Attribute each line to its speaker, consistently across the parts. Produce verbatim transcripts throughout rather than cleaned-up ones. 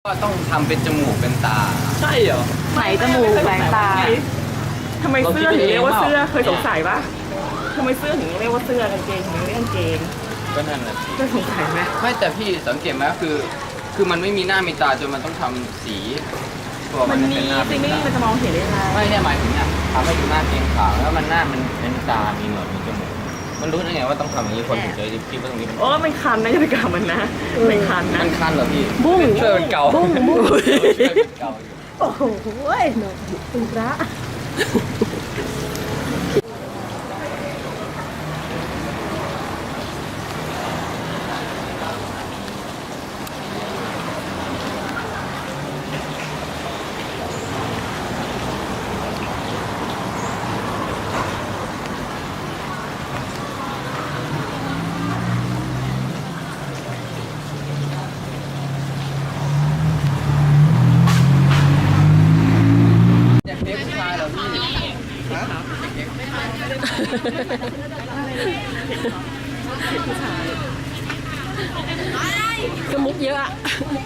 Speaker 1: ก็ต้องทำเป็นจมูกเป็นตา
Speaker 2: ใช่เหรอ
Speaker 3: ไหนจมูกแหวนตา
Speaker 2: ทำไมเสื้อถึงเรียกว่าเสื้อเคยสงสัยปะทำไมเสื้อถึงเรียกว่าเสื้อกางเกงถึงเรียกกางเกง
Speaker 1: ก็นั่นแหละ
Speaker 2: เคยสงสัยไหม
Speaker 1: ไม่แต่พี่สังเกตไหมคือ คือมันไม่มีหน้ามีตาจนมันต้องทำสีตัว
Speaker 2: มั
Speaker 1: มัน น
Speaker 2: มี
Speaker 1: เป็นหน้า
Speaker 2: ซิ
Speaker 1: เป็น
Speaker 2: มี่
Speaker 1: ตา
Speaker 2: มันจะมองเห็นได้ยังไง
Speaker 1: ไม่เนี่ยหมายถึงเนี่ยทำให้ดูหน้าเกรงขาวแล้วมันหน้ามันเป็นตา มีหนวดมีจมูกมันรู้ได้ไงว่าต้องทำอย่างนี้คนถึงจะคิดว่าตรงนี้มัน
Speaker 2: โอ้มันคันนะอย่าไปกล่าวมันนะมันคันนะ
Speaker 1: มันคันเหรอพี่
Speaker 3: บุ้ง
Speaker 1: ช่วยเป็นเกา
Speaker 3: บุ้งบุ้ง
Speaker 1: ช่วยเป็นเกาอยู่
Speaker 3: โอ้โหหนูคุณพระ
Speaker 1: อยากเลี้ยงผู้ชายเหรอพี่ฮะ
Speaker 3: ก็มุกเยอะอะ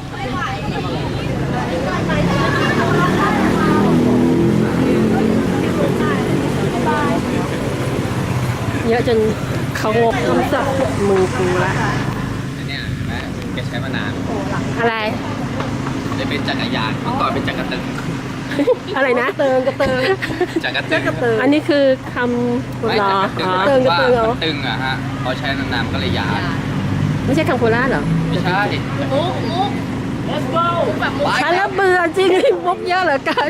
Speaker 3: เยอะจนเขางกคำศัพท์มือกูละ
Speaker 1: อันเนี้ยเห็นไหมแกใช้มานาน
Speaker 3: อะไร
Speaker 1: จะเป็นจักรยานเมื่อก่อนเป็นจักรตึง
Speaker 3: อะไรนะเติงกระเติง
Speaker 1: จักรตึง
Speaker 3: อันนี้คือคำ
Speaker 1: ไม่
Speaker 3: หรอ
Speaker 1: จักรตึง
Speaker 3: อ๋อ
Speaker 1: หมาย
Speaker 3: เติ
Speaker 1: ถึ
Speaker 3: ง
Speaker 1: ง
Speaker 3: กระ
Speaker 1: ว่า
Speaker 3: เติงเหรอ
Speaker 1: มันตึงอะฮะพอใช้นานๆมันก็เลยยาน
Speaker 3: ไม่ใช่คำโคราชเหรอ
Speaker 1: ไม่ใช่
Speaker 2: let's go
Speaker 3: ฉันแล้วเบื่อจริงมุกเยอะเหลือเกิน